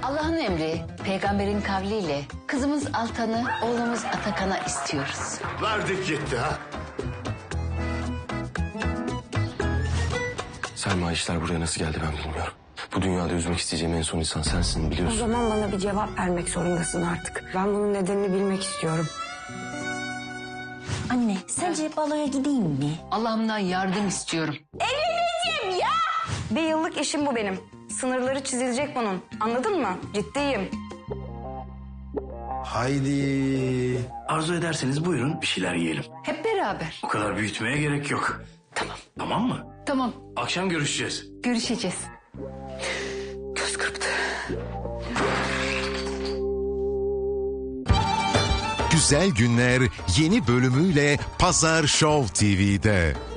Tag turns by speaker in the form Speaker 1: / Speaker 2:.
Speaker 1: Allah'ın emri, peygamberin kavliyle kızımız Altan'ı, oğlumuz Atakan'a istiyoruz.
Speaker 2: Verdik gitti ha.
Speaker 3: Selma, işler buraya nasıl geldi ben bilmiyorum. Bu dünyada üzmek isteyeceğim en son insan sensin,
Speaker 4: O
Speaker 3: biliyorsun.
Speaker 4: zaman bana bir cevap vermek zorundasın artık. Ben bunun nedenini bilmek istiyorum.
Speaker 5: Anne, sence baloya gideyim mi?
Speaker 1: Allah'ımdan yardım istiyorum.
Speaker 4: Bir yıllık işim bu benim. Sınırları çizilecek bunun. Anladın mı? Ciddiyim.
Speaker 2: Haydi.
Speaker 6: Arzu ederseniz buyurun bir şeyler yiyelim.
Speaker 1: Hep beraber.
Speaker 6: O kadar büyütmeye gerek yok.
Speaker 1: Tamam.
Speaker 6: Tamam mı?
Speaker 1: Tamam,
Speaker 6: Akşam görüşeceğiz.
Speaker 1: görüşeceğiz.
Speaker 4: Göz kırptı.
Speaker 7: Güzel Günler yeni bölümüyle Pazar Show TV'de.